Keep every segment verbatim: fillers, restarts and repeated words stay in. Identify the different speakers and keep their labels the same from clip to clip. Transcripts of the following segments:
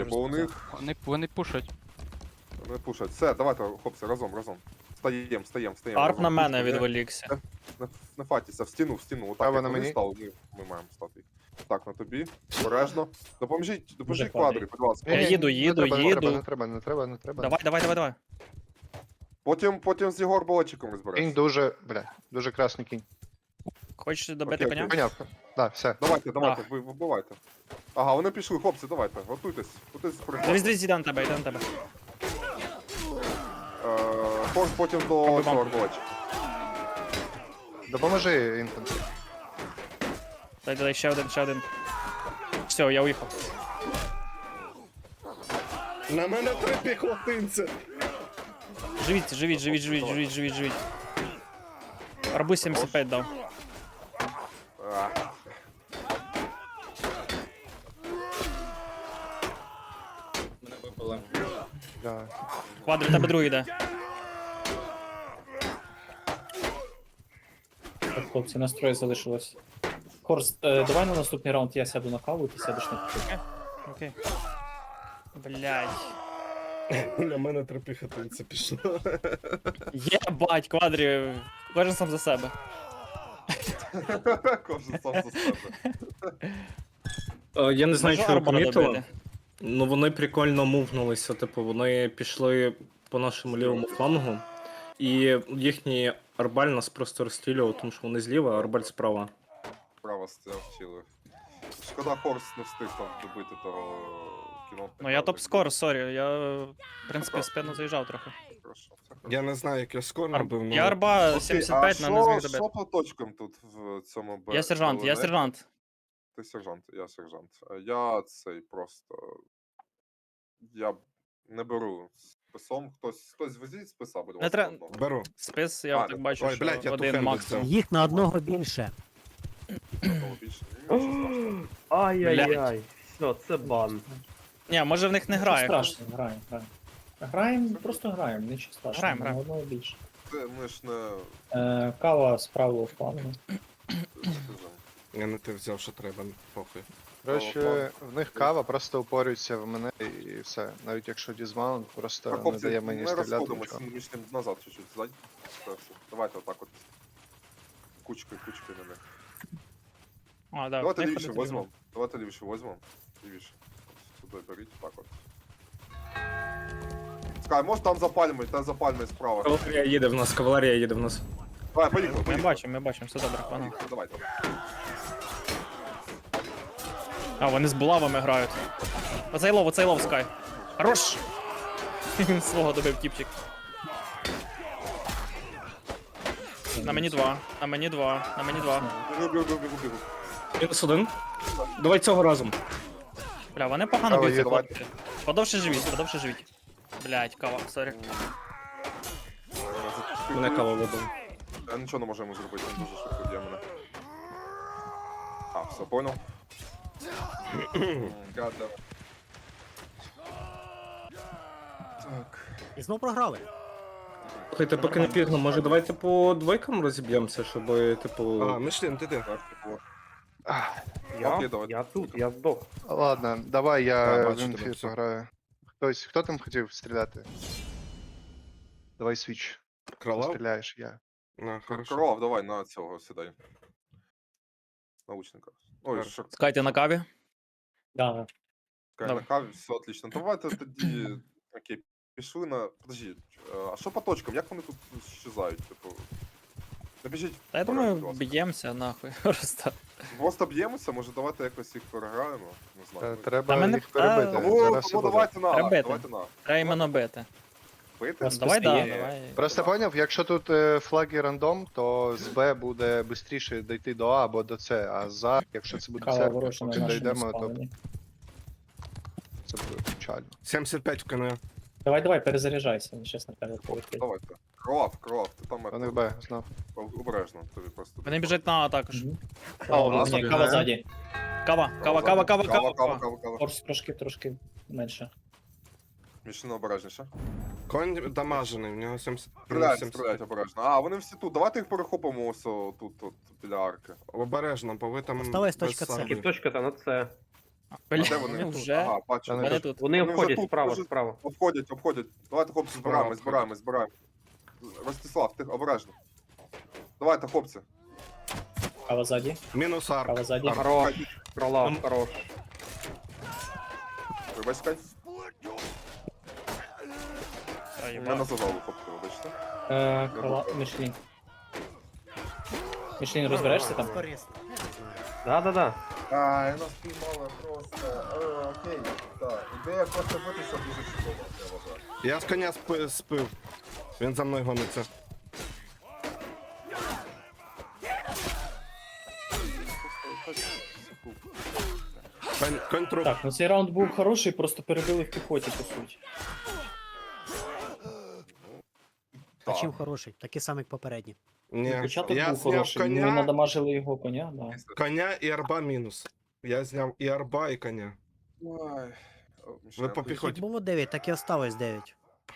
Speaker 1: вже
Speaker 2: бо у
Speaker 1: сказав.
Speaker 2: них
Speaker 3: Вони, вони пушать.
Speaker 2: не пушать. Все, давайте, хлопці, разом, разом. Встаєм, встаєм, встаєм.
Speaker 1: Арп
Speaker 2: разом.
Speaker 1: на мене
Speaker 2: Кучку, не-
Speaker 1: відволікся.
Speaker 2: Не, не фатіться, в стіну, в стіну. Отак,
Speaker 4: Право
Speaker 2: як
Speaker 4: на
Speaker 2: вони
Speaker 4: мені.
Speaker 2: стали, ми, ми маємо стати. Так, на тобі. Обережно. Допоможіть, допоможіть
Speaker 1: квадрі.
Speaker 2: квадрі, будь ласка.
Speaker 1: Я
Speaker 4: Ні-ні,
Speaker 1: їду,
Speaker 4: не
Speaker 1: їду,
Speaker 4: треба, не
Speaker 1: їду.
Speaker 4: треба, Не треба, не треба, не треба.
Speaker 1: Давай, давай, давай, давай.
Speaker 2: Потім, потім з його арбалетчиком
Speaker 4: Кінь
Speaker 2: розберешся.
Speaker 4: дуже, бля, дуже красний кінь.
Speaker 1: Хочеш добити
Speaker 2: Окей,
Speaker 1: коня?
Speaker 4: Понятно. Да, все.
Speaker 2: Давайте, давайте,
Speaker 1: Так.
Speaker 2: ви вбивайте. Ага, вони пішли, хлопці, давайте, готуйтесь. Готуйтесь
Speaker 1: Дивись,
Speaker 2: прихват.
Speaker 1: дивись, йде на тебе, йде на тебе.
Speaker 2: Е, Форс потім до
Speaker 1: Пробуй
Speaker 2: цього
Speaker 1: бамп.
Speaker 2: арбалетчика.
Speaker 4: Допоможи інфантрі.
Speaker 1: Дай, дай, ще один, ще один. Все, я уїхав.
Speaker 5: На мене три піхотинця.
Speaker 1: Живіть, живіть, живіть, живіть, живіть, живіть, живіть. Арбу сімдесят п'ять дав.
Speaker 2: А,
Speaker 5: Мене вибили.
Speaker 4: Да.
Speaker 1: Квадрі, тебе другий йде.
Speaker 6: Так, хлопці, настрої залишилось. Хорст, е, давай на наступний раунд я сяду на каву, ти сядеш на каву.
Speaker 1: Окей. Блядь.
Speaker 5: На мене три піхотинця пішло.
Speaker 1: Єбать, квадрі. Кожен сам за себе.
Speaker 2: Кожен сам за себе.
Speaker 7: Е, Я не знаю,
Speaker 1: Можу
Speaker 7: чи ви
Speaker 1: арбала
Speaker 7: помітили.
Speaker 1: добити?
Speaker 7: Ну вони прикольно мувнулися, типу, вони пішли по нашому лівому флангу, і їхній арбаль нас просто розстрілював, тому що вони зліва, а арбаль справа.
Speaker 2: Право стрілили. Шкода, Хорс не встиг там добити того кіно.
Speaker 1: Ну я топ-скор, сорі. Я, в принципі, спину заїжджав трохи.
Speaker 2: Хорошо, все хорошо.
Speaker 5: Я не знаю, як я скоро набив,
Speaker 1: Я
Speaker 5: ну...
Speaker 1: арба
Speaker 2: Окей,
Speaker 1: сімдесят п'ять,
Speaker 2: а
Speaker 1: на не зміг
Speaker 2: що-
Speaker 1: добити.
Speaker 2: Що по точкам тут в цьому бе-
Speaker 1: Я сержант, я
Speaker 2: балонеті?
Speaker 1: сержант.
Speaker 2: Ти сержант, я сержант. А Я цей просто. Я не беру списом. Хтось хтось везіть списа, будь ласка.
Speaker 1: тре-
Speaker 2: одного.
Speaker 5: Беру.
Speaker 1: Спис, я
Speaker 2: А,
Speaker 1: так бачу,
Speaker 5: ой,
Speaker 1: що
Speaker 5: блядь, я
Speaker 1: один
Speaker 5: тухенду
Speaker 1: максимум.
Speaker 5: взяв.
Speaker 8: Їх на одного більше.
Speaker 2: Одного більше. Нічого страшного.
Speaker 9: Ай-яй-яй. Все, це бан.
Speaker 1: Ні, може в них не
Speaker 6: Нічого
Speaker 1: грає.
Speaker 6: страшного, граємо, граємо. Граємо, просто граємо, нічого страшного.
Speaker 1: Граємо,
Speaker 6: на
Speaker 1: граємо.
Speaker 6: одного більше.
Speaker 2: Це ми ж не
Speaker 6: Е, кава з правого флангу.
Speaker 2: скажімо.
Speaker 5: Я не те взяв, що треба, похуй.
Speaker 4: Коротше, в них кава просто упорюється в мене і все. Навіть якщо дізмаунт, просто
Speaker 2: Так,
Speaker 4: не
Speaker 2: хлопці,
Speaker 4: дає мені
Speaker 2: ми
Speaker 4: стріляти
Speaker 2: розходимося,
Speaker 4: нічого.
Speaker 2: між ним назад чуть-чуть. Здай. Все, все. Давайте отак от. Кучкою, кучкою на них.
Speaker 1: А, да,
Speaker 2: Давайте
Speaker 1: в них
Speaker 2: лівіше
Speaker 1: ходити
Speaker 2: возьмемо. Давайте лівіше возьмемо. Лівіше. От сюди беріть, так от. Скай, може там за пальмою, там за пальмою справа.
Speaker 7: Кавалерія їде в нас, кавалерія їде в нас.
Speaker 2: Давай, поїхали,
Speaker 1: Ми
Speaker 2: поїхали.
Speaker 1: бачимо, ми бачимо, все добре, пана.
Speaker 2: Поїхали, давай, давай.
Speaker 1: А, вони з булавами грають. Оцей лов, оцей лов, Скай. Хорош! Він свого добив тіпчик. На мені два, на мені два, на мені два.
Speaker 2: Бігу, бігу, бігу, бігу.
Speaker 7: Мінус один. Давай цього разом.
Speaker 1: Бля, вони погано
Speaker 4: Кава
Speaker 1: б'ються,
Speaker 4: є,
Speaker 1: хлопці. Подовше живіть, подовше живіть. Блять, кава, сорі.
Speaker 7: Мене кава вибив.
Speaker 2: Я нічого не можу йому зробити, він дуже швидко б'є мене. А, все, понял. М, гадно. Так.
Speaker 8: І знов програли.
Speaker 7: Слухайте, поки не пізно, може давайте по двойкам розіб'ємося, щоб, типу.
Speaker 5: А, Мишлін, ти де?
Speaker 2: Так, типу.
Speaker 4: Ах,
Speaker 9: Я,
Speaker 2: Окей, давай.
Speaker 9: я тут, я здох.
Speaker 4: Ладно, давай
Speaker 5: Да,
Speaker 4: я
Speaker 5: бачу
Speaker 4: в
Speaker 5: тебе,
Speaker 4: інфі
Speaker 5: все.
Speaker 4: пограю. Хтось, хто там хотів стріляти? Давай свіч.
Speaker 5: Кролав?
Speaker 4: Стріляєш, я.
Speaker 5: На, хорошо.
Speaker 2: Кров, давай на цього сідай. Научника. Ой,
Speaker 5: Хорошо.
Speaker 2: що
Speaker 1: Скай, ти на каві?
Speaker 6: Да,
Speaker 2: Кай,
Speaker 1: Давай.
Speaker 2: на каві, все отлично. Давайте тоді. Окей, пішли на. Подожди, а що по точкам? Як вони тут щезають? Типу. Набіжіть.
Speaker 1: Та я
Speaker 2: вперед,
Speaker 1: думаю,
Speaker 2: будь ласка.
Speaker 1: б'ємося нахуй. Просто.
Speaker 2: Просто б'ємося, може давайте якось їх переграємо. Не
Speaker 4: Та
Speaker 2: знаю.
Speaker 4: Треба
Speaker 1: Та мене-
Speaker 4: їх перебити.
Speaker 1: Та-
Speaker 2: Тому,
Speaker 4: Зараз все
Speaker 2: тому
Speaker 4: буде.
Speaker 2: давайте на.
Speaker 1: Треба бити.
Speaker 2: Давайте на.
Speaker 1: Треба іменно бити.
Speaker 2: Бити?
Speaker 6: Просто
Speaker 1: Давай, да,
Speaker 6: стає.
Speaker 1: давай.
Speaker 4: Просто поняв, якщо тут е, флаги рандом, то з Б буде швидше дійти до А або до С, а за, якщо це буде
Speaker 6: кава
Speaker 4: церква,
Speaker 6: ворожа на
Speaker 4: поки
Speaker 6: нашому
Speaker 4: дійдемо, то
Speaker 6: спавні.
Speaker 4: це буде печально.
Speaker 5: сімдесят п'ять в КН.
Speaker 6: Давай, давай, перезаряджайся, він щас на тебе полетить.
Speaker 2: Давайте. Кров, кров, ти там
Speaker 4: Вони
Speaker 2: это,
Speaker 4: в Б, знов.
Speaker 2: обережно, тобі просто.
Speaker 1: Вони біжать на А також.
Speaker 6: Мгм.
Speaker 4: А, у
Speaker 6: Ні,
Speaker 4: нас
Speaker 6: ні,
Speaker 4: обігає.
Speaker 6: кава ззаді.
Speaker 1: Кава, кава, кава, кава,
Speaker 2: кава,
Speaker 1: кава.
Speaker 2: кава, кава, кава.
Speaker 6: Хорс трошки, трошки менше.
Speaker 2: Мішина обережніше.
Speaker 5: Конь дамажений, в нього сімдесят.
Speaker 2: Стріляють,
Speaker 5: сімдесят.
Speaker 2: стріляють обережно. А, вони всі тут. Давайте їх перехопимо ось о, тут, тут, біля арки.
Speaker 5: Обережно, бо ви там.
Speaker 8: Осталась
Speaker 5: без
Speaker 8: точка С.
Speaker 5: саблі.
Speaker 9: Точка та на це.
Speaker 1: Бля,
Speaker 2: А де вони?
Speaker 1: вони вже.
Speaker 2: Ага, бачу.
Speaker 4: Вони
Speaker 1: Вони тут.
Speaker 9: Вони
Speaker 2: Вони вже
Speaker 9: обходять
Speaker 2: тут,
Speaker 9: справа,
Speaker 2: вже-
Speaker 9: справа.
Speaker 2: Обходять, обходять. Давайте, хлопці, збираємо, збираємо, збираємо. Ростислав, ти обережно. Давайте, хлопці.
Speaker 6: Кава ззаді,
Speaker 5: Мінус арк.
Speaker 6: кава ззаді.
Speaker 9: Хорош. Пролав, хорош.
Speaker 2: Вибачте.
Speaker 1: Та,
Speaker 2: Мене
Speaker 1: їбать.
Speaker 2: зажали, хлопці, вибачте.
Speaker 6: Е, крила, Мішлін. Мішлін, розберешся там?
Speaker 8: Корисно.
Speaker 9: Да-да-да.
Speaker 2: Ай, нас піймали просто. Е, окей, так. Ідея просто битися дуже чудова, я вважаю.
Speaker 5: Я з коня спи- спив. Він за мною гониться. Конь, конь труп.
Speaker 6: Так, ну цей раунд був хороший, просто перебили в піхоті, по суті.
Speaker 8: А
Speaker 2: Так.
Speaker 8: чим хороший? Такий самий, як попередній.
Speaker 5: Ні,
Speaker 6: Початок
Speaker 5: я
Speaker 6: був
Speaker 5: зняв
Speaker 6: хороший, ми
Speaker 5: коня,
Speaker 6: надамажили його коня, да.
Speaker 5: коня і арба мінус. Я зняв і арба, і коня.
Speaker 2: Ой. О, Міша,
Speaker 5: Ви по
Speaker 2: ти-
Speaker 8: Як
Speaker 5: піхоті.
Speaker 8: було дев'ять, так і осталось дев'ять.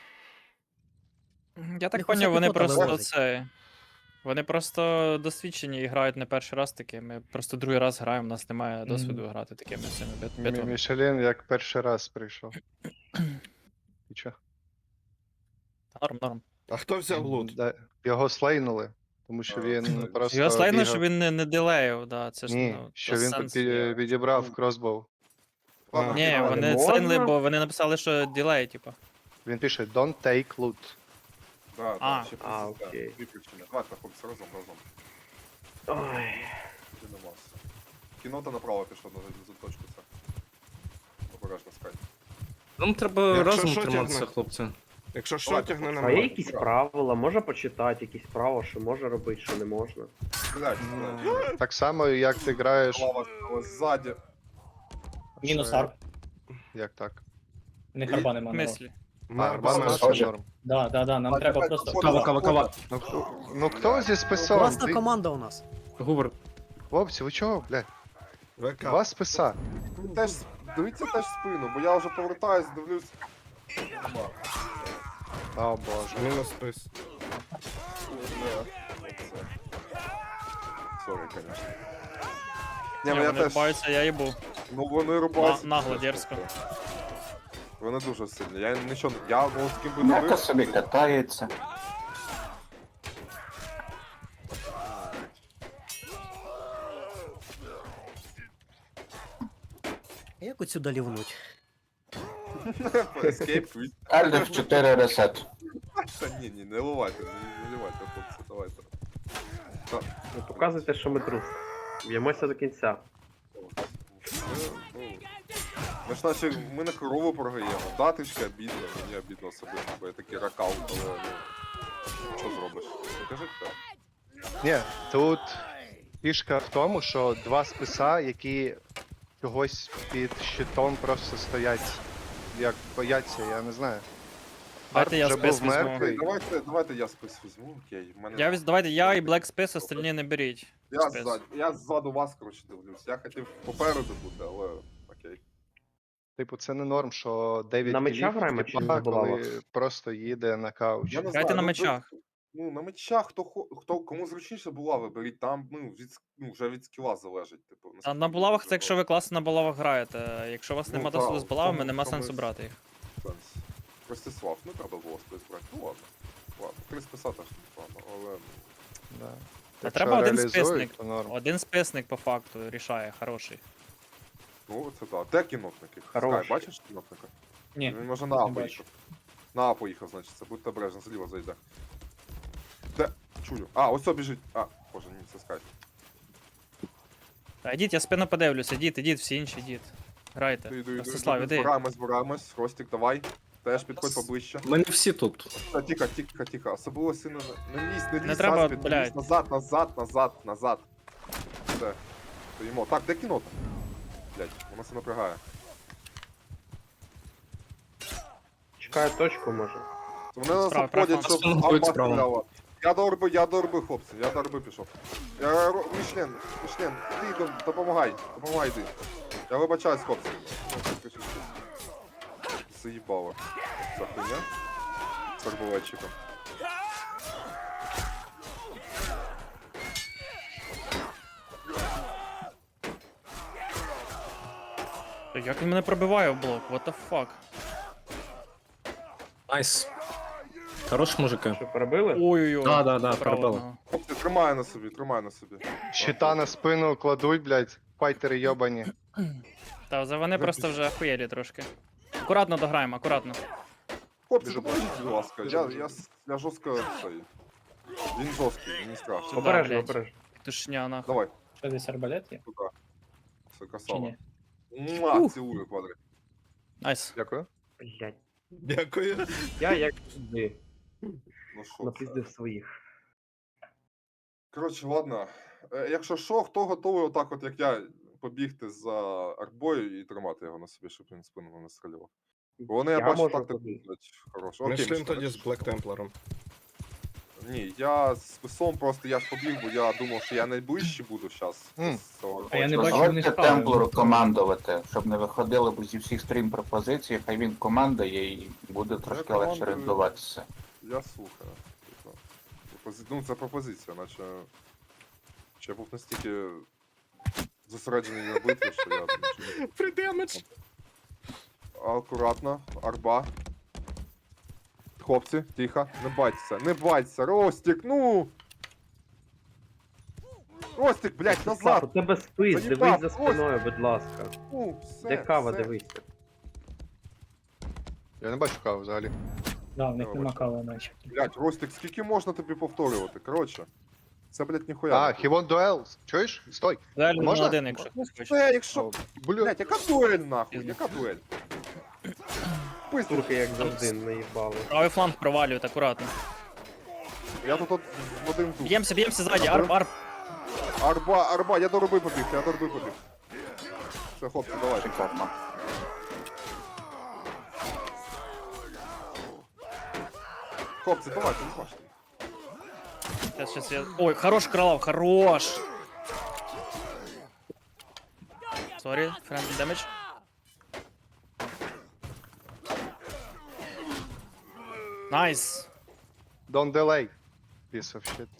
Speaker 1: Я так
Speaker 8: Їх уся
Speaker 1: поняв, вони
Speaker 8: піхота
Speaker 1: просто
Speaker 8: вивозить.
Speaker 1: це. Вони просто досвідчені і грають не перший раз таки. Ми просто другий раз граємо, у нас немає досвіду грати такими цими бит-
Speaker 4: Мі-
Speaker 1: битвами.
Speaker 4: Мішелін як перший раз прийшов. І чо?
Speaker 1: Норм, норм.
Speaker 5: А хто взяв лут?
Speaker 4: Да, його слейнули, тому що
Speaker 2: А,
Speaker 4: він
Speaker 2: слейнули.
Speaker 4: просто.
Speaker 1: Його слайно,
Speaker 4: бігав-
Speaker 1: що він не, не дилеїв, да, це ж
Speaker 4: Ні,
Speaker 1: ну,
Speaker 4: що
Speaker 1: то
Speaker 4: він
Speaker 1: сенс
Speaker 4: пі-
Speaker 1: є.
Speaker 4: відібрав кросбоу.
Speaker 2: Ладно,
Speaker 1: Ні,
Speaker 2: давай.
Speaker 1: вони
Speaker 9: Можна?
Speaker 1: слайнили, бо вони написали, що ділей, типу.
Speaker 4: Він пише Don't take loot.
Speaker 2: Да,
Speaker 1: А.
Speaker 2: да, ще
Speaker 9: А,
Speaker 2: плюс, да,
Speaker 9: окей.
Speaker 2: дві причини. Давайте, хлопці, разом, разом.
Speaker 9: Ой.
Speaker 2: Йдемо. Кінота направо пішло на за точку це. Обережно скай.
Speaker 7: Нам треба
Speaker 5: Якщо
Speaker 7: разом
Speaker 5: що,
Speaker 7: триматися,
Speaker 5: тягне.
Speaker 7: хлопці.
Speaker 5: Якщо що,
Speaker 2: Давайте,
Speaker 5: тягни на
Speaker 2: хлопці.
Speaker 9: А є
Speaker 5: мене.
Speaker 9: якісь правила, можна почитати якісь правила, що можна робити, що не можна.
Speaker 2: Блять, блять.
Speaker 4: Так само, як ти граєш.
Speaker 2: Лава стала ззаді.
Speaker 6: Мінус
Speaker 4: Що-
Speaker 6: арк.
Speaker 4: Як так?
Speaker 6: В них арба нема.
Speaker 1: В
Speaker 6: ну.
Speaker 1: мислі.
Speaker 4: А, арба
Speaker 5: Арба
Speaker 4: це
Speaker 5: мінус.
Speaker 4: норм.
Speaker 6: Да, да, да, нам
Speaker 2: А,
Speaker 6: треба
Speaker 2: давай,
Speaker 6: просто.
Speaker 2: походу,
Speaker 7: Кава, кава, кава.
Speaker 4: Ну хто зі списом?
Speaker 8: Класна
Speaker 4: Ти-
Speaker 8: команда у нас.
Speaker 7: Гувер,
Speaker 4: Хлопці, ви чого, блядь?
Speaker 5: ВК.
Speaker 4: Два списа.
Speaker 2: Теж, дивіться теж спину, бо я вже повертаюсь, дивлюсь. Нема.
Speaker 4: О боже.
Speaker 5: Мінус спис.
Speaker 2: Сорі, конечно.
Speaker 1: Ні,
Speaker 2: Ні, ну я
Speaker 1: вони
Speaker 2: теж.
Speaker 1: рубаються, я їбу.
Speaker 2: Ну вони рубаються.
Speaker 1: На- нагло, дерзко.
Speaker 2: Вони дуже сильні. Я нічого. Я ну з ким би не бив.
Speaker 3: собі катається.
Speaker 8: Як отсюда лівнуть?
Speaker 2: Escape quit.
Speaker 3: Альдер чотири ресет.
Speaker 2: Та ні, ні, не ливайте, не, не ливайте, хлопці, давайте.
Speaker 9: Ну, показуйте, що ми трус. Б'ємося до кінця.
Speaker 2: Ми, ну, ми ж наче ми на корову програємо. Да, трішки обідно, мені обідно особисто, бо я такий ракаут, але ну. Що зробиш? Ну кажи так.
Speaker 4: Ні, тут фішка в тому, що два списа, які чогось під щитом просто стоять, як бояться, я не знаю.
Speaker 1: Давайте я
Speaker 4: вже
Speaker 1: спис
Speaker 4: був
Speaker 1: візьму.
Speaker 4: мертвий.
Speaker 2: Давайте, давайте я спис візьму, окей. В Мене...
Speaker 1: Я віз... Давайте я і Black Space, остальні не беріть.
Speaker 2: Я,
Speaker 1: спис.
Speaker 2: ззаду, я ззаду вас, коротше, дивлюсь. Я хотів попереду бути, але окей.
Speaker 4: Типу, це не норм, що дев'ять
Speaker 9: На мечах
Speaker 4: кілів,
Speaker 9: граємо
Speaker 4: типа,
Speaker 9: чи на
Speaker 4: коли
Speaker 9: булавах?
Speaker 4: просто їде на кауч.
Speaker 2: Я не
Speaker 1: Грайте на
Speaker 2: ну,
Speaker 1: мечах.
Speaker 2: Ну, на мечах, хто, хо- хто кому зручніше була, виберіть, там ну, від, с- ну, вже від скіла залежить. Типу,
Speaker 1: А
Speaker 2: наскільки
Speaker 1: на булавах
Speaker 2: дуже
Speaker 1: це якщо ви класно на булавах граєте. Якщо у вас
Speaker 2: Ну,
Speaker 1: нема
Speaker 2: так,
Speaker 1: досвіду з булавами,
Speaker 2: тому-
Speaker 1: нема
Speaker 2: тому
Speaker 1: сенсу
Speaker 2: і-
Speaker 1: брати їх.
Speaker 2: сенс. Ростислав, не треба було спис брати. Ну ладно. Ладно, три списа теж непогано, але
Speaker 4: Да.
Speaker 1: Та
Speaker 4: Якщо
Speaker 1: треба один
Speaker 4: реалізують,
Speaker 1: списник.
Speaker 4: то норм.
Speaker 1: Один списник по факту рішає, хороший.
Speaker 2: ну це так. Де кінотники?
Speaker 9: Хороший.
Speaker 2: Скай, бачиш кінотника?
Speaker 6: Ні.
Speaker 2: Він може на А
Speaker 6: не бачу.
Speaker 2: поїхав. На А поїхав, значить, це будьте обережно, зліва зайде. Де? Чую. А, ось о біжить. А, боже, ні, це скай.
Speaker 1: Та йдіть, я спину подивлюся, ідіть, ідіть, всі інші, ідіть. Грайте.
Speaker 2: Іду, іду, іду,
Speaker 1: Ростислав,
Speaker 2: іду.
Speaker 1: іди.
Speaker 2: Збираємось, збираємось. Ростик, давай. Теж підходь поближче.
Speaker 7: ми не всі тут.
Speaker 2: Та, Тихо, тихо, тихо. Особливо сильно не- не лізь, не лізь,
Speaker 1: Не треба,
Speaker 2: наспід, не лізь.
Speaker 1: блядь.
Speaker 2: Назад, назад, назад, назад. Все. Стоїмо. Так, де кінота? Блядь, воно все напрягає.
Speaker 9: Чекаю точку, може.
Speaker 2: Вони нас
Speaker 1: Справа,
Speaker 2: обходять,
Speaker 1: права.
Speaker 2: щоб
Speaker 7: Нас
Speaker 2: арба
Speaker 7: справа.
Speaker 2: стріляла. Я до орби, я до орби, хлопці, я до орби пішов. Я ро- Мішлен, Мішлен, ти до- допомагай, допомагай йди. Я вибачаюсь, хлопці. Заїбало. Ця хуйня. З арбалетчиком.
Speaker 1: Як він мене пробиває в блок? What the fuck?
Speaker 7: Найс. Хорош, мужики.
Speaker 9: Що, перебили?
Speaker 1: Ой-ой-ой.
Speaker 7: Да, да, да,
Speaker 1: Направо
Speaker 7: пробили.
Speaker 1: одного.
Speaker 2: Хлопці, тримай на собі, тримай на собі.
Speaker 4: Щита на спину кладуть, блядь, файтери йобані.
Speaker 1: Та за вони просто вже охуєлі трошки. Акуратно дограємо, акуратно.
Speaker 2: Хлопці,
Speaker 4: Біжу.
Speaker 2: допоможіть, будь ласка. Я, я, с- я жорстко цей. Він жорсткий, мені страшно.
Speaker 1: Сюди,
Speaker 9: Обережно,
Speaker 1: блядь.
Speaker 9: обережно.
Speaker 1: Тушня нахуй.
Speaker 2: Давай,
Speaker 6: Що десь арбалет є?
Speaker 2: туди. Все,
Speaker 6: Чи
Speaker 2: красава.
Speaker 6: ні?
Speaker 2: Муа, цілую, квадрик.
Speaker 1: Найс.
Speaker 4: Дякую.
Speaker 9: Блять.
Speaker 5: Дякую.
Speaker 9: Я як завжди
Speaker 2: Ну що це?
Speaker 9: напиздив своїх.
Speaker 2: Коротше, ладно. Е, Якщо що, хто готовий отак, от як я, побігти за арбою і тримати його на собі, щоб він спину не стрілював. Бо вони, я,
Speaker 9: Я
Speaker 2: бачу,
Speaker 9: можу
Speaker 2: так
Speaker 9: побігти.
Speaker 2: хорошо.
Speaker 5: Ми
Speaker 2: Окей,
Speaker 5: шлем
Speaker 2: Мішка,
Speaker 5: тоді з Блек Темплером.
Speaker 2: Ні, я з списом просто я ж побіг, бо я думав, що я найближче буду зараз.
Speaker 4: Мгм.
Speaker 6: А я не бачу,
Speaker 3: Дозвольте
Speaker 6: вони впали.
Speaker 3: темплору командувати, щоб не виходили б зі всіх стрім пропозицій, хай він командує і буде трошки легше
Speaker 2: командую.
Speaker 3: орієнтуватися.
Speaker 2: Я слухаю. Типа, пропози- Ну, це пропозиція, наче. Чи я був настільки зосереджений на битві, що я нічого не.
Speaker 5: Придемедж.
Speaker 2: Акуратно, арба. Хлопці, тихо, не байтеся, не байтеся, Ростик, ну! Ростик, блядь,
Speaker 9: Так, у
Speaker 2: назад!
Speaker 9: тебе спис,
Speaker 2: Заїбав,
Speaker 9: дивись за
Speaker 2: ось.
Speaker 9: спиною, будь ласка.
Speaker 2: Ну, все,
Speaker 9: Де кава,
Speaker 2: все.
Speaker 9: дивися.
Speaker 4: Я не бачу каву взагалі.
Speaker 6: Да, в них
Speaker 2: Добре.
Speaker 6: нема кави наче.
Speaker 2: Блядь, Ростик, скільки можна тобі повторювати? Коротше, це, блядь, ніхуя.
Speaker 4: А,
Speaker 2: не буде.
Speaker 4: Хівон дуел. Чуєш? Стой.
Speaker 1: Далі на
Speaker 4: Можна?
Speaker 1: один, якщо
Speaker 2: Ну,
Speaker 1: хтось хоче.
Speaker 2: все, якщо...
Speaker 4: Блядь.
Speaker 2: Блядь, яка дуель, нахуй, яка дуель? Пиздур.
Speaker 9: Турки як завжди наїбали.
Speaker 1: Правий фланг провалюють, акуратно.
Speaker 2: Я тут от в один тут.
Speaker 1: Б'ємося, б'ємося ззаді, арб, арб.
Speaker 2: Арба, арба, я до руби побіг, я до руби побіг. Все, хлопці, давайте.
Speaker 3: Шикарно.
Speaker 2: Хлопці, давайте, не бачите.
Speaker 1: Сейчас, сейчас я... Ой, хорош, Кралов, хорош! Сорі, friendly damage. Найс!
Speaker 4: Don't delay. Piece of shit.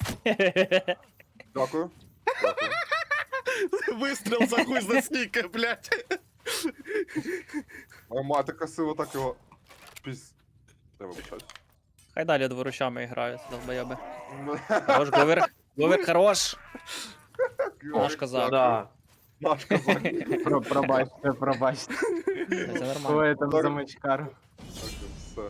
Speaker 2: Дякую. Дякую.
Speaker 5: Вистріл за хуй за стійки, блядь.
Speaker 2: Арма, ти красиво так його... Піз... Я вибачаюсь.
Speaker 1: Хай далі дворучами грають, долбоєби. Хорош, Говер. Говер, хорош! Наш козак.
Speaker 9: Да.
Speaker 2: Наш козак.
Speaker 10: Про, пробачте, пробачте.
Speaker 1: Це нормально.
Speaker 10: Хто я там
Speaker 2: Так.
Speaker 10: замочкар?
Speaker 2: Все.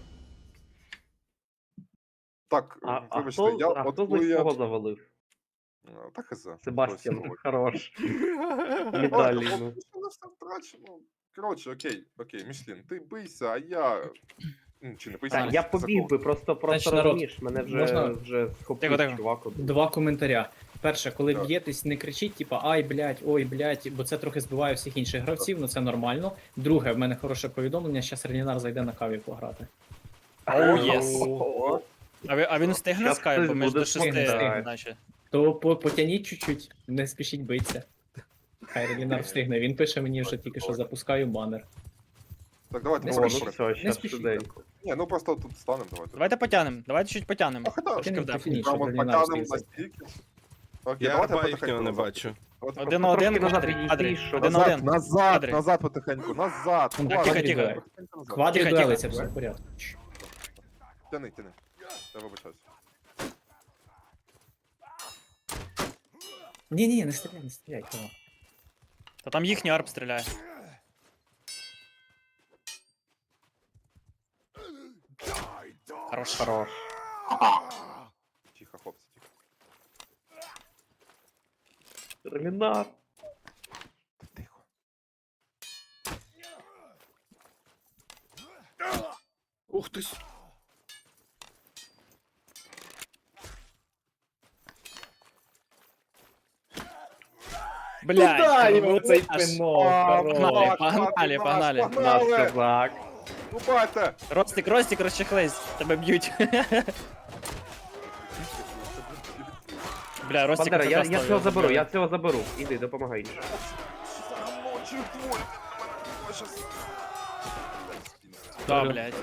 Speaker 2: Так,
Speaker 9: А, а
Speaker 2: вибачте,
Speaker 9: хто,
Speaker 2: я
Speaker 9: а
Speaker 2: от
Speaker 9: хто з
Speaker 2: коли
Speaker 9: них
Speaker 2: я...
Speaker 9: кого завалив?
Speaker 2: А, Так і за.
Speaker 9: Себастьян,
Speaker 2: Ось,
Speaker 9: хорош.
Speaker 2: Ой,
Speaker 9: Медалі.
Speaker 2: ну,
Speaker 9: ну.
Speaker 2: що на все втрачено? Коротше, окей, окей, Мішлін, ти бийся, а я... Ну, чи не бийся?
Speaker 9: Так,
Speaker 2: а
Speaker 9: я
Speaker 2: за
Speaker 9: побіг
Speaker 2: кого?
Speaker 9: би, просто просто
Speaker 6: Значить, народ,
Speaker 9: розумієш, мене вже,
Speaker 6: можна?
Speaker 9: вже
Speaker 1: Тихо,
Speaker 9: схопив
Speaker 1: тихо.
Speaker 9: чувак. один.
Speaker 6: Два коментаря. Перше, коли
Speaker 2: Так.
Speaker 6: б'єтесь, не кричіть, типа ай, блядь, ой, блядь, бо це трохи збиває всіх інших гравців, ну це нормально. Друге, в мене хороше повідомлення, зараз Ренінар зайде на каві пограти.
Speaker 1: Оу, єс.
Speaker 9: О,
Speaker 1: А, ви, а він встигне
Speaker 9: Щас
Speaker 1: з кайфу,
Speaker 9: хтось
Speaker 1: ми ж
Speaker 9: буде
Speaker 1: до шести,
Speaker 6: встигне.
Speaker 1: наче.
Speaker 6: То по- потягніть чуть-чуть, не спішіть битися. Хай Ренінар встигне. Він пише мені вже тільки що запускаю банер.
Speaker 2: Так, давайте
Speaker 6: Не
Speaker 9: О,
Speaker 2: давайте,
Speaker 9: ну
Speaker 6: спішіть.
Speaker 2: давайте.
Speaker 9: все, щас
Speaker 6: спішіть.
Speaker 9: швиденько.
Speaker 2: Ні, ну просто тут станемо, давайте.
Speaker 1: Давайте потянемо, давайте чуть потянемо.
Speaker 2: А, хоча,
Speaker 1: Трошки
Speaker 6: Потягнемо,
Speaker 1: вдав.
Speaker 6: потягніть, щоб
Speaker 2: Прямо
Speaker 6: Ренінар
Speaker 2: потягнемо
Speaker 6: встиг зайти.
Speaker 2: настільки. Окей,
Speaker 5: Я
Speaker 2: давайте
Speaker 5: арба
Speaker 2: потихеньку
Speaker 5: їхнього не
Speaker 2: назад.
Speaker 5: бачу.
Speaker 2: Давайте
Speaker 1: Один на один,
Speaker 9: Трошки назад
Speaker 1: квадрі,
Speaker 9: відійди,
Speaker 1: квадрі.
Speaker 9: щоб-
Speaker 1: Один на
Speaker 2: Назад,
Speaker 1: один.
Speaker 2: назад,
Speaker 1: Квадрі.
Speaker 2: назад потихеньку, назад.
Speaker 6: Ну,
Speaker 2: Ладно,
Speaker 6: тихо,
Speaker 2: потихеньку
Speaker 6: тихо.
Speaker 2: назад.
Speaker 6: Квадрі
Speaker 1: Тихо,
Speaker 6: дуелиться,
Speaker 1: тихо.
Speaker 6: все в порядку. Чш.
Speaker 2: Тяни, тяни. Я вибачаюсь.
Speaker 6: Ні-ні, не стріляй, не стріляй, кого.
Speaker 1: Та там їхній арп стріляє. Хорош.
Speaker 9: Хорош.
Speaker 2: Тихо, хлопці, тихо.
Speaker 9: Ренінар.
Speaker 2: Тихо.
Speaker 5: Ух ти. с-
Speaker 1: Блядь,
Speaker 6: Куда йому
Speaker 1: хорош.
Speaker 6: цей пинок?
Speaker 2: А,
Speaker 6: Хорош.
Speaker 1: Погнали,
Speaker 2: так,
Speaker 1: погнали,
Speaker 2: так,
Speaker 1: погнали.
Speaker 2: так,
Speaker 9: Наш
Speaker 2: погнали.
Speaker 9: козак.
Speaker 2: Рубайте!
Speaker 1: Ростик, Ростик, розчехлись, тебе б'ють. Бля, Ростик
Speaker 9: Бандера, я, я
Speaker 1: прекрасно
Speaker 9: цього заберу,
Speaker 1: зробили.
Speaker 9: я цього заберу. Іди, допомагай.
Speaker 2: Ночі двоє. Щас.
Speaker 1: Да, блядь.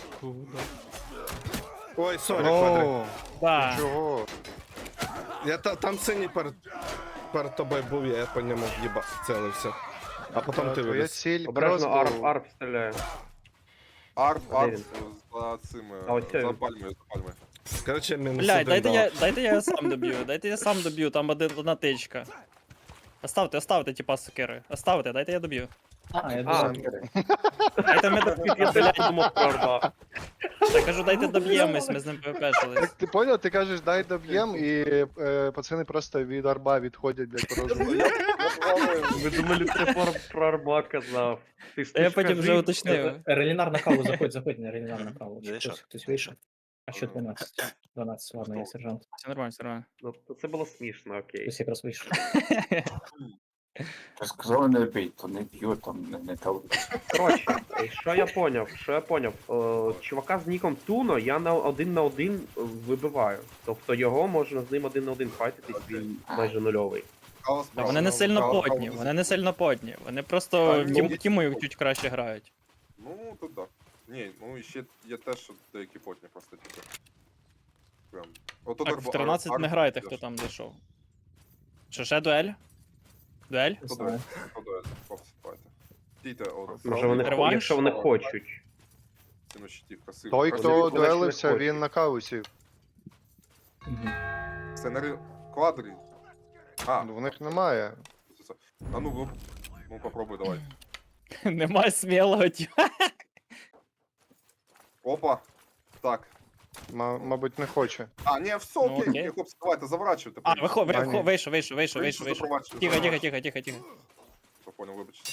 Speaker 5: Ой, сорі, квадрик.
Speaker 4: О,
Speaker 1: Да.
Speaker 4: чого?
Speaker 5: Я та, там синій перед, перед тобою був, я по ньому в'їба цілився. А потім ти
Speaker 4: Твоя
Speaker 5: виліз.
Speaker 4: ціль
Speaker 9: Обережно
Speaker 4: просто...
Speaker 9: арп, арп стріляє.
Speaker 2: Арп,
Speaker 9: А де
Speaker 2: арп
Speaker 9: він?
Speaker 2: за цими,
Speaker 9: А ось це
Speaker 2: за
Speaker 9: він.
Speaker 2: пальмою, за пальмою.
Speaker 5: Короче, мінус
Speaker 1: Блядь,
Speaker 5: один
Speaker 1: дайте
Speaker 5: дав.
Speaker 1: я, дайте я сам доб'ю, дайте я сам доб'ю, там один, одна тичка. Оставте, оставте, типа, сокири. Оставте, дайте я доб'ю.
Speaker 6: А, я
Speaker 9: А,
Speaker 6: думав,
Speaker 1: Дайте ми доб'ємо,
Speaker 9: я
Speaker 1: блядь.
Speaker 9: думав про арба.
Speaker 1: Я кажу, дайте доб'ємось, ми з ним пвпшились.
Speaker 4: Так ти поняв, ти кажеш, дай доб'єм, і е, пацани просто від арба відходять, блядь, по розуму.
Speaker 9: Ви думали, ти про, про арба казав. Ти ж
Speaker 1: Та я
Speaker 9: ти ж
Speaker 1: потім вже
Speaker 9: кажи.
Speaker 1: уточнив.
Speaker 6: Релінар на каву, заходь, заходь на Релінар на каву. Чи
Speaker 10: Зайшов,
Speaker 6: Хтось, хтось вийшов. А що дванадцять? дванадцять, ладно, я сержант.
Speaker 1: Все нормально, все нормально.
Speaker 9: Ну, то це було смішно, окей.
Speaker 6: Хтось якраз вийшов.
Speaker 3: Ти сказали не бій, то не б'ю, там не, не то.
Speaker 9: Коротше, е, що я поняв? Що я поняв? Е, чувака з ніком Туно я на один на один вибиваю. Тобто його можна з ним один на один файтитись, він майже нульовий.
Speaker 2: Кава
Speaker 1: Та
Speaker 2: справа.
Speaker 1: вони не сильно
Speaker 2: Кава-
Speaker 1: потні,
Speaker 2: кава-
Speaker 1: вони не сильно потні. Вони просто
Speaker 2: Так,
Speaker 1: тім,
Speaker 2: ну,
Speaker 1: тімою чуть краще грають.
Speaker 2: Ну, тут так. Ні, ну і ще є те, що деякі потні просто типу. Прям. Отут
Speaker 1: Так,
Speaker 2: арба-
Speaker 1: в тринадцять
Speaker 2: арп
Speaker 1: не грайте,
Speaker 2: йдеш.
Speaker 1: хто там зайшов. Що, ще дуель? Дуель?
Speaker 2: Хто дуель? Хто дуель? Хлопці, давайте. Стійте, от.
Speaker 9: Може вони, хо-
Speaker 1: Реванш?
Speaker 9: якщо вони хочуть.
Speaker 2: Ціну щитів, красиво.
Speaker 4: Той,
Speaker 2: Красиво.
Speaker 4: хто
Speaker 9: Вони ж не
Speaker 4: дуелився,
Speaker 9: хочуть.
Speaker 4: він на каву сів.
Speaker 6: Мгм.
Speaker 2: Сценарій квадрі. А,
Speaker 4: Ну, в них немає.
Speaker 2: це- це. А ну, ну, ну попробуй, давай.
Speaker 1: Нема смілого тіма.
Speaker 2: Опа. Так.
Speaker 4: Ма- мабуть, не хоче.
Speaker 2: А, ні, все,
Speaker 1: Ну,
Speaker 2: окей,
Speaker 1: окей.
Speaker 2: окей, хлопці, давайте, заворачуйте.
Speaker 1: А, вихо,
Speaker 4: А, ні.
Speaker 1: вихо, вийшов, вийшов, вийшов, вийшов, вийшов. Тихо, тихо, тихо, тихо, тихо.
Speaker 2: Все, понял, вибачте.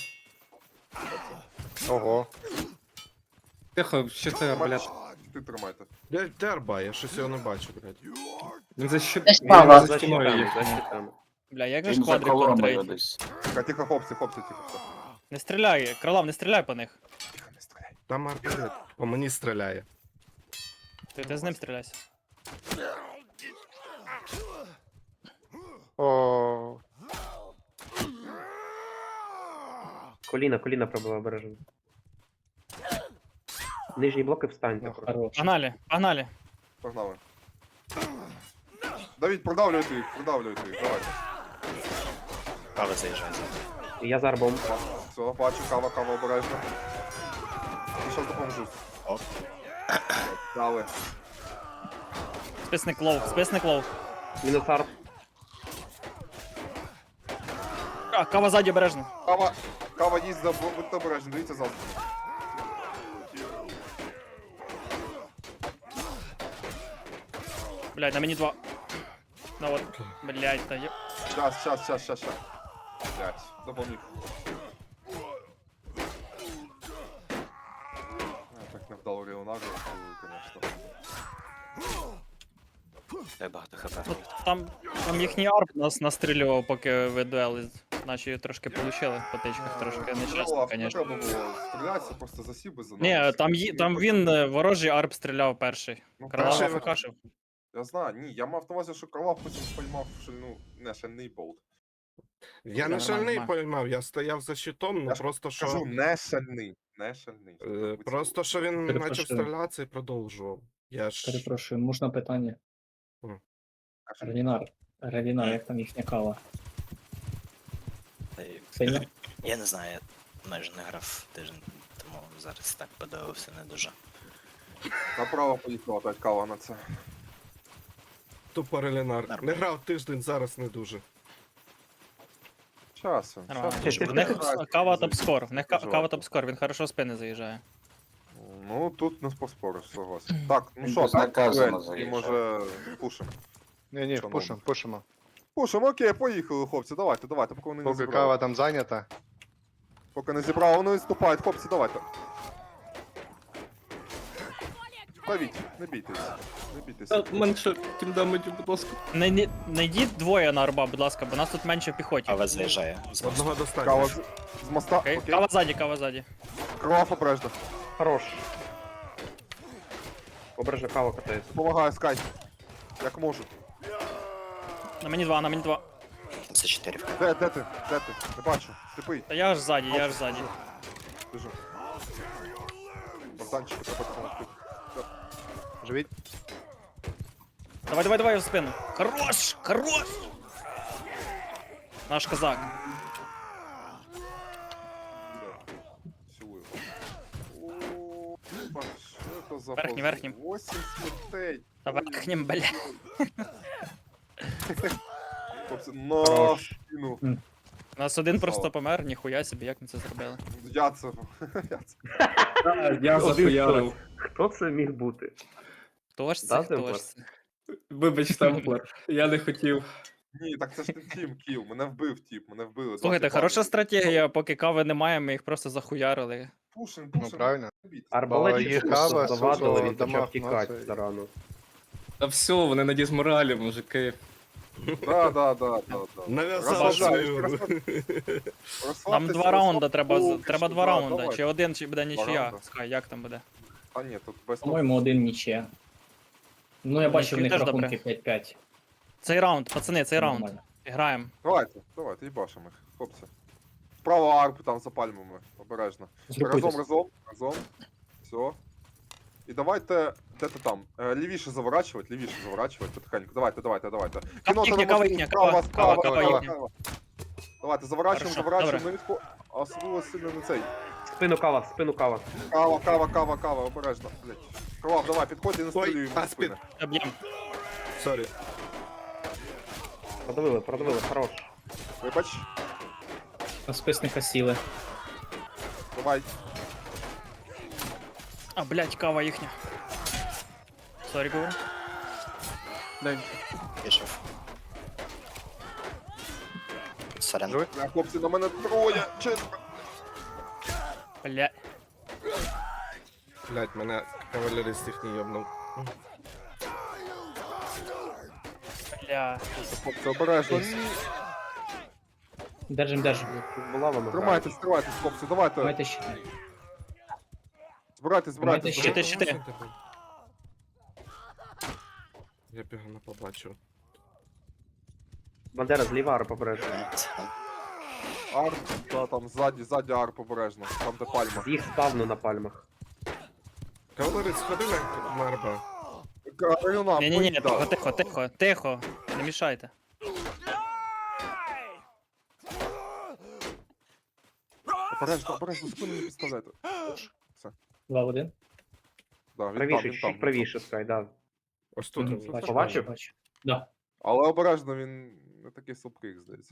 Speaker 4: Ого.
Speaker 7: Тихо, що це арбалет?
Speaker 2: Ти тримайте.
Speaker 5: Де, де арба? Я щось його не бачу, блядь.
Speaker 7: Він за щит...
Speaker 11: Десь
Speaker 7: він
Speaker 11: справа.
Speaker 7: за
Speaker 9: За
Speaker 7: стіною
Speaker 9: щитами,
Speaker 7: їх.
Speaker 9: за щитами.
Speaker 1: Бля, як же ж
Speaker 3: Він за
Speaker 1: квадрик
Speaker 3: колоною
Speaker 1: контрить?
Speaker 3: десь.
Speaker 2: Тихо, тихо, хлопці, хлопці, тихо, все.
Speaker 1: Не стріляй, Кролав, не стріляй по них.
Speaker 2: Тихо, не стріляй.
Speaker 5: Там арбалет. По мені стріляє.
Speaker 1: Ти, ти з ним стріляйся.
Speaker 4: О,
Speaker 9: Коліна, коліна пробила обережно. Нижні блоки встаньте.
Speaker 4: Ну,
Speaker 9: просто.
Speaker 6: Хорош.
Speaker 1: Погнали, погнали.
Speaker 2: Погнали. Давід, продавлюйте їх, продавлюйте їх, давайте.
Speaker 10: Кава заїжджає.
Speaker 9: І я з арбом.
Speaker 2: Все, бачу, кава, кава обережно. І зараз допоможу.
Speaker 10: Оп.
Speaker 2: Дали.
Speaker 1: Списник лов, списник лов.
Speaker 9: Мінус арб.
Speaker 1: А, кава ззаді обережно.
Speaker 2: Кава, кава їсть, за- будьте обережні, дивіться завтра.
Speaker 1: Блядь, на мені два. Ну от, блядь, та є.
Speaker 2: Щас, щас, щас, щас, щас. Блять, допоміг. Я так не вдало Ріонарду, звісно.
Speaker 10: Дай багато хп.
Speaker 1: Ну, там, там їхній арп нас настрілював, поки ви дуели наші трошки получили по тичках, трошки нещасно,
Speaker 2: Не
Speaker 1: звісно.
Speaker 2: треба було стрілятися, просто засів би за
Speaker 1: Ні,
Speaker 2: нами.
Speaker 1: там, ї- там він е, ворожий арп стріляв перший.
Speaker 2: Ну,
Speaker 1: Кралава
Speaker 2: перший-
Speaker 1: факашив.
Speaker 2: Я знаю, ні, я мав на увазі, що Карлав потім поймав шальну, не, шальний болт.
Speaker 5: Я
Speaker 1: Нормально,
Speaker 5: не шальний
Speaker 1: нормально.
Speaker 5: поймав, я стояв за щитом, ну
Speaker 2: Я ж
Speaker 5: просто що.
Speaker 2: Кажу, не шальний, не шальний.
Speaker 5: е, Просто що він
Speaker 6: Перепрошую.
Speaker 5: почав стрілятися і продовжував. Я ж.
Speaker 6: Перепрошую, можна питання? Релінар, Релінар, як там їхня кава?
Speaker 10: Та й-
Speaker 6: Сильно?
Speaker 10: Я не знаю, я майже не грав тиждень, тому зараз так подивився не дуже.
Speaker 2: Направо поїхала опять кава на це.
Speaker 5: Тупо релінар. Не
Speaker 10: Нормально.
Speaker 5: грав тиждень, зараз не дуже.
Speaker 2: Часом.
Speaker 1: Нормально.
Speaker 2: часом.
Speaker 1: В них кава топ-скор, в них ка-
Speaker 2: Дуже
Speaker 1: кава
Speaker 2: важко.
Speaker 1: топ-скор, він хорошо в спини заїжджає.
Speaker 2: Ну, тут не поспориш, согласен. Так, ну
Speaker 3: Він
Speaker 2: що, так,
Speaker 3: безнаказано
Speaker 2: дуель, і
Speaker 3: заїжджав.
Speaker 2: може пушимо.
Speaker 4: Ні, ні,
Speaker 2: Шановний.
Speaker 4: пушимо, пушимо.
Speaker 2: Пушимо, окей, поїхали, хлопці, давайте, давайте, поки вони не
Speaker 4: Поки
Speaker 2: зібрали.
Speaker 4: кава там зайнята.
Speaker 2: Поки не зібрали, вони відступають, хлопці, давайте. Давіть, не бійтесь, не бійтеся.
Speaker 7: Менше тімдамеджу, будь ласка.
Speaker 1: Не, не, не йдіть двоє на арба, будь ласка, бо нас тут менше в піхоті.
Speaker 10: Кава заїжджає. з мосту.
Speaker 5: Одного
Speaker 2: Кава
Speaker 5: достатньо.
Speaker 2: з, з моста,
Speaker 1: Окей?
Speaker 2: окей.
Speaker 1: Кава ззаді, кава ззаді.
Speaker 2: Кров обережно.
Speaker 9: Хорош. Обережно кава катається.
Speaker 2: Допомагаю, Скай. Як можу.
Speaker 1: На мені два, на мені два.
Speaker 10: Це чотири.
Speaker 2: Де, де ти? Де ти? Не бачу. Сліпий.
Speaker 1: Та я аж ззаді, я аж ззаді.
Speaker 2: Біжу. Богданчику треба допомогти.
Speaker 4: Живіть.
Speaker 1: Давай, давай, давай в спину. Хорош! Хорош! Наш козак.
Speaker 2: Що за
Speaker 1: Верхній,
Speaker 2: пози?
Speaker 1: верхній.
Speaker 2: Восім смертей.
Speaker 1: Та верхнім, бля.
Speaker 2: Хлопці, на
Speaker 9: Хорош.
Speaker 2: спину.
Speaker 1: У нас один
Speaker 2: Красава.
Speaker 1: просто помер, ніхуя собі, як ми це зробили.
Speaker 2: Я це... Я це...
Speaker 7: Я
Speaker 9: Один
Speaker 7: захуярив.
Speaker 9: Хто це міг бути?
Speaker 1: Хто ж це,
Speaker 9: Да,
Speaker 1: хто
Speaker 9: Темплар?
Speaker 1: ж це?
Speaker 7: Вибач, Темплер, я не хотів.
Speaker 2: Ні, так це ж не тім кіл. Мене вбив тіп, мене вбили. Два
Speaker 1: Слухайте,
Speaker 2: тіпа.
Speaker 1: хороша стратегія, поки кави немає, ми їх просто захуярили.
Speaker 2: Пушим,
Speaker 4: Ну,
Speaker 2: пушим.
Speaker 4: правильно.
Speaker 9: Арбалет
Speaker 4: їх
Speaker 9: просто
Speaker 4: кава,
Speaker 9: завадили,
Speaker 4: сусо,
Speaker 9: він почав
Speaker 4: дамаг,
Speaker 9: тікати
Speaker 4: ну, це-
Speaker 9: старано.
Speaker 7: Та все, вони на дізморалі, мужики.
Speaker 2: Да, да, да, да, да.
Speaker 5: Нав'язав
Speaker 2: Розслабляюсь,
Speaker 5: свою.
Speaker 2: розслаб-
Speaker 1: Нам
Speaker 2: розслабтеся,
Speaker 1: два раунда
Speaker 2: розслаб-
Speaker 1: треба, з-
Speaker 2: Поки
Speaker 1: треба
Speaker 2: що,
Speaker 1: два
Speaker 2: да,
Speaker 1: раунда.
Speaker 2: давай.
Speaker 1: Чи один, чи буде нічия.
Speaker 2: раунда.
Speaker 1: Скай, як там буде?
Speaker 2: А ні, тут без
Speaker 6: По-моєму, один нічия. Ну, я бачу в них
Speaker 1: теж
Speaker 6: рахунки
Speaker 1: добре.
Speaker 6: п'ять п'ять.
Speaker 1: Цей раунд, пацани, цей раунд.
Speaker 6: Нормально.
Speaker 1: Граємо.
Speaker 2: Давайте, давайте, їбашимо їх, хлопці. Справа арпу там за пальмами, обережно. Разом,
Speaker 6: Згрупуйтесь.
Speaker 2: разом, разом. Все. І давайте, де ти там? Е, Лівіше заворачувати, лівіше заворачувати потихеньку. Давайте, давайте, давайте. Кіно
Speaker 1: їхня,
Speaker 2: треба
Speaker 1: кава
Speaker 2: можливо,
Speaker 1: їхня,
Speaker 2: справа,
Speaker 1: кава,
Speaker 2: справа,
Speaker 1: кава,
Speaker 2: справа,
Speaker 1: кава
Speaker 2: справа. Давайте, заворачуємо,
Speaker 1: Хорошо,
Speaker 2: заворачуємо,
Speaker 1: добре.
Speaker 2: не відхо... А особливо сильно не цей.
Speaker 9: Спину кава, спину кава.
Speaker 2: Кава, кава, кава, кава, обережно. Блять. Кровав, давай, підходь і не
Speaker 5: Ой,
Speaker 2: стрілюй
Speaker 5: а,
Speaker 2: в спини.
Speaker 1: Об'єм.
Speaker 5: Сорі.
Speaker 9: Продавили, продавили, хорош.
Speaker 2: Вибач,
Speaker 6: На списника сіли.
Speaker 2: давай.
Speaker 1: А, блядь, кава їхня. Сорі, говорю.
Speaker 10: Пішов. Сорян.
Speaker 4: Живий?
Speaker 2: Бля, хлопці, на мене троє, четверо.
Speaker 1: Бля.
Speaker 5: Блять, мене кавалерист їх не йобнув.
Speaker 1: Бля.
Speaker 2: Хлопці, обережно. Ні.
Speaker 6: Держим, держим.
Speaker 9: Тут була вона.
Speaker 2: Тримайтесь, тримайтесь, хлопці, давайте.
Speaker 6: Давайте ще.
Speaker 2: Збирайтесь, збирайтесь.
Speaker 1: Щити, щити.
Speaker 5: Я пігано побачив.
Speaker 9: Бандера зліва арп обережно.
Speaker 2: Арп, да, там ззаді, ззаді арп обережно. Там де пальма.
Speaker 9: Їх спавну на пальмах.
Speaker 5: Кавалерист, ходи на марба.
Speaker 2: Каріна,
Speaker 1: Ні-ні-ні,
Speaker 2: поїда.
Speaker 1: тихо, тихо, тихо, тихо. Не мішайте.
Speaker 2: Обережно, обережно, спину не підставляйте.
Speaker 6: Два в один.
Speaker 2: Да, він там,
Speaker 9: Правіше,
Speaker 2: він
Speaker 9: чуть
Speaker 2: там.
Speaker 9: правіше, скай, да.
Speaker 5: Ось тут.
Speaker 6: Мгм,
Speaker 5: ось.
Speaker 6: бачу,
Speaker 9: Побачив?
Speaker 6: бачу, бачу. Да.
Speaker 2: Але обережно, він не такий слабкий, як здається.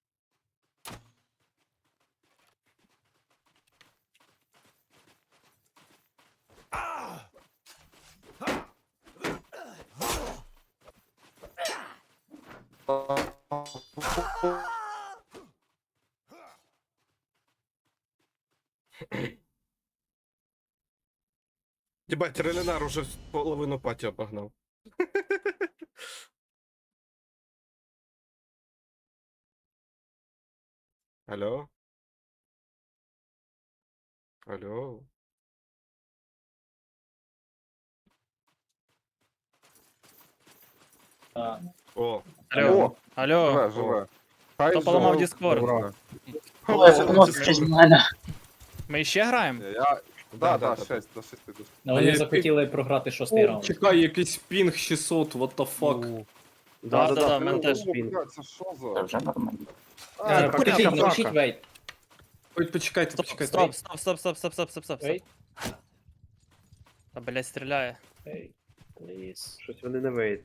Speaker 5: Єбать, Релінар уже половину паті обогнав. Алло? Алло?
Speaker 6: А,
Speaker 5: О,
Speaker 1: Алло,
Speaker 2: О,
Speaker 1: алло.
Speaker 2: живе, живе. Хай
Speaker 1: Хто поламав
Speaker 2: живе.
Speaker 1: Discord?
Speaker 2: Добре.
Speaker 1: Ми ще граємо?
Speaker 2: Я...
Speaker 5: Да,
Speaker 2: Да,
Speaker 5: да,
Speaker 2: да,
Speaker 5: да.
Speaker 2: шесть, до шести. до-
Speaker 6: ну,
Speaker 7: А
Speaker 6: вони
Speaker 7: я-
Speaker 6: захотіли програти шостий
Speaker 7: О,
Speaker 6: раунд.
Speaker 7: чекай, якийсь пінг шістсот, what the fuck.
Speaker 1: Да, да, да,
Speaker 2: О,
Speaker 1: мене теж.
Speaker 2: блядь, Це що
Speaker 3: Це
Speaker 2: за...
Speaker 3: вже нормально.
Speaker 2: А,
Speaker 6: Е,
Speaker 2: так,
Speaker 6: Покажіть,
Speaker 9: порядок,
Speaker 6: напишіть
Speaker 9: правка.
Speaker 6: вейт.
Speaker 7: Ой, почекайте,
Speaker 1: Стоп,
Speaker 7: почекайте.
Speaker 1: стоп, стоп, стоп, стоп, стоп, стоп, стоп, стоп, стоп.
Speaker 6: Вейт.
Speaker 1: Та, блядь, стріляє.
Speaker 6: Вейт, пліз.
Speaker 9: Щось вони не вийдуть.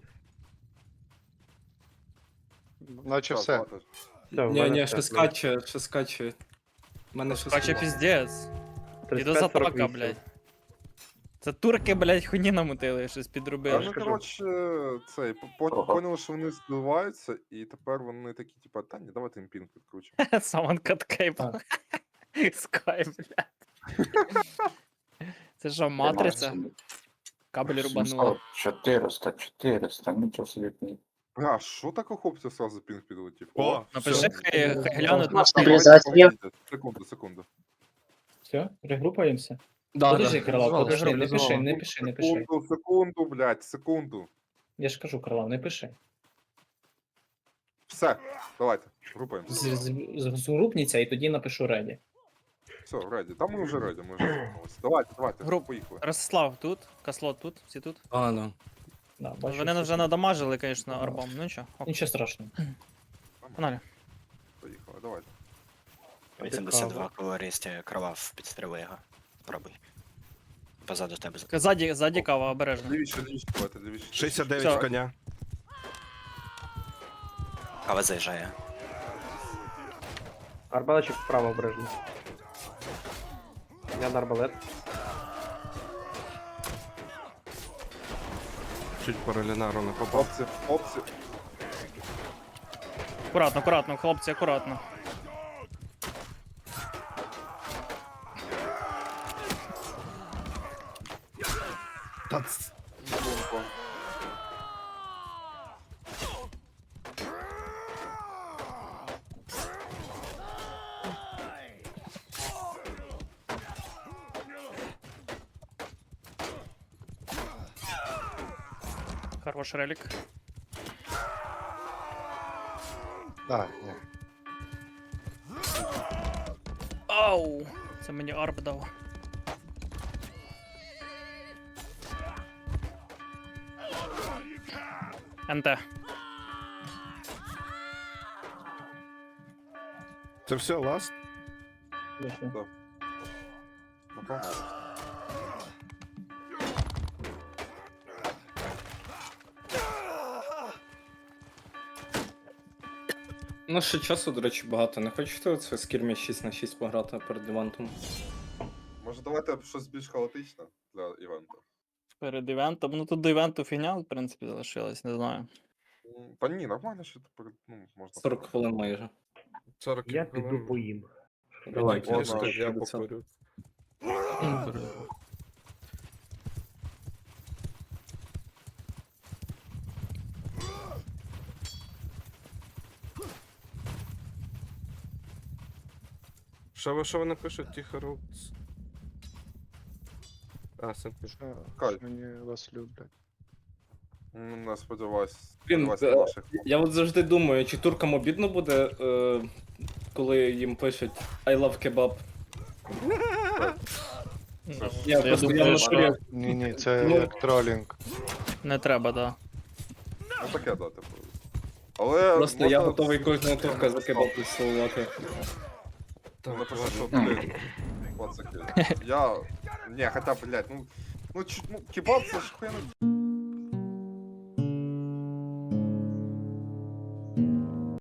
Speaker 4: Наче все.
Speaker 9: Все, в
Speaker 7: Ні,
Speaker 9: мене
Speaker 7: ні,
Speaker 9: все.
Speaker 7: ще скаче, ще скаче. У мене ще
Speaker 1: Кача
Speaker 7: скаче.
Speaker 1: піздець.
Speaker 9: тридцять
Speaker 1: Іду за
Speaker 9: п'ять, сорок
Speaker 1: атака,
Speaker 9: вісім.
Speaker 1: блядь. Це турки, блядь, хуйні намутили, щось
Speaker 2: Та,
Speaker 1: підробили.
Speaker 2: ну,
Speaker 9: кажу.
Speaker 2: коротше, цей, по- потім
Speaker 3: Ага.
Speaker 2: поняли, що вони збиваються, і тепер вони такі, типа, та ні, давайте їм пінг підкручимо.
Speaker 1: Самон каткейп. Скай, блядь. Це що, матриця? Кабель рубануло.
Speaker 3: чотириста, чотириста, нічого собі.
Speaker 2: Бля, що так охопця сразу пінг підлетів?
Speaker 5: О,
Speaker 1: Напиши,
Speaker 5: все.
Speaker 1: хай, хай глянуть на
Speaker 2: Давайте, Секунду, секунду.
Speaker 6: Все, регрупаємося.
Speaker 7: Да,
Speaker 6: Подожди,
Speaker 7: да.
Speaker 6: Крилав,
Speaker 1: Звали,
Speaker 6: подожди, не
Speaker 1: звали,
Speaker 6: пиши,
Speaker 1: звали.
Speaker 6: не пиши, не пиши.
Speaker 2: Секунду, секунду, блядь, секунду.
Speaker 6: Я ж кажу, Крилав, не пиши.
Speaker 2: Все, давайте, групаємося.
Speaker 6: З- з- Згрупніться і тоді напишу реді.
Speaker 2: Все, реді. Там ми вже реді, ми вже вернулися. Давайте, давайте,
Speaker 1: Груп.
Speaker 2: поїхали.
Speaker 1: Ростислав тут, Каслот тут, всі тут.
Speaker 7: А, да.
Speaker 6: Да, бачу,
Speaker 1: Вони
Speaker 6: всі
Speaker 1: вже
Speaker 6: тут.
Speaker 1: надамажили, звісно, арбом. Ну нічого, ок,
Speaker 6: Нічого страшного.
Speaker 1: погнали.
Speaker 2: Поїхали, давайте.
Speaker 10: вісімдесят два калорісті, кровав, підстріли його. Пробуй. Позаду тебе.
Speaker 1: Ззаді, ззаді кава, обережно.
Speaker 2: Лівіше, лівіше, давайте, лівіше.
Speaker 5: шістдесят дев'ять
Speaker 1: Всё.
Speaker 5: в коня.
Speaker 10: Кава заїжджає.
Speaker 9: Арбалетчик вправо обережно. Я на арбалет.
Speaker 5: Чуть по релінару не попав.
Speaker 2: Хлопці, хлопці.
Speaker 1: Акуратно, акуратно, хлопці, акуратно.
Speaker 5: Та ц-
Speaker 2: Бомба.
Speaker 1: Хорош релік.
Speaker 4: А, ні.
Speaker 1: Ау! Це мені арб дав. НТ.
Speaker 5: Це все, ласт?
Speaker 2: Напевно.
Speaker 7: Ну, ще часу, до речі, багато. Не хочете оце скірмі шість на шість пограти перед івентом?
Speaker 2: Може давайте щось більш хаотичне для івенту?
Speaker 1: Перед івентом. Ну тут до івенту фігня, в принципі, залишилась, не знаю.
Speaker 2: М, Та ні, нормально, що тепер, ну, можна.
Speaker 7: сорок хвилин майже.
Speaker 5: сорок
Speaker 9: Я піду поїм.
Speaker 7: Давай,
Speaker 2: Ладно,
Speaker 5: Кішка, я
Speaker 7: п'ятдесят.
Speaker 5: покурю. Що ви, що вони пишуть, тихо Роудс? А, Сент
Speaker 2: Кай.
Speaker 4: Мені вас люблять.
Speaker 2: М, Не сподіваюсь.
Speaker 7: Блін,
Speaker 2: Сподіваюсь на
Speaker 7: е,
Speaker 2: наших.
Speaker 7: Я от завжди думаю, чи туркам обідно буде, е, коли їм пишуть I love kebab.
Speaker 1: Ну,
Speaker 7: Я
Speaker 1: я
Speaker 7: просто я
Speaker 1: думаю,
Speaker 7: в
Speaker 1: що
Speaker 7: натурі-
Speaker 4: Ні, ні, це
Speaker 7: Ну-
Speaker 4: як тролінг.
Speaker 1: не треба, да.
Speaker 2: Ну таке, да, типу. Але.
Speaker 7: Просто я
Speaker 2: можна-
Speaker 7: готовий кожного турка за кебаб відсилувати.
Speaker 2: Напишу, що, блін, пацаки. Я. Не, хотя, блядь, ну. Ну, чуть, ну, кебаб це ж хуйня.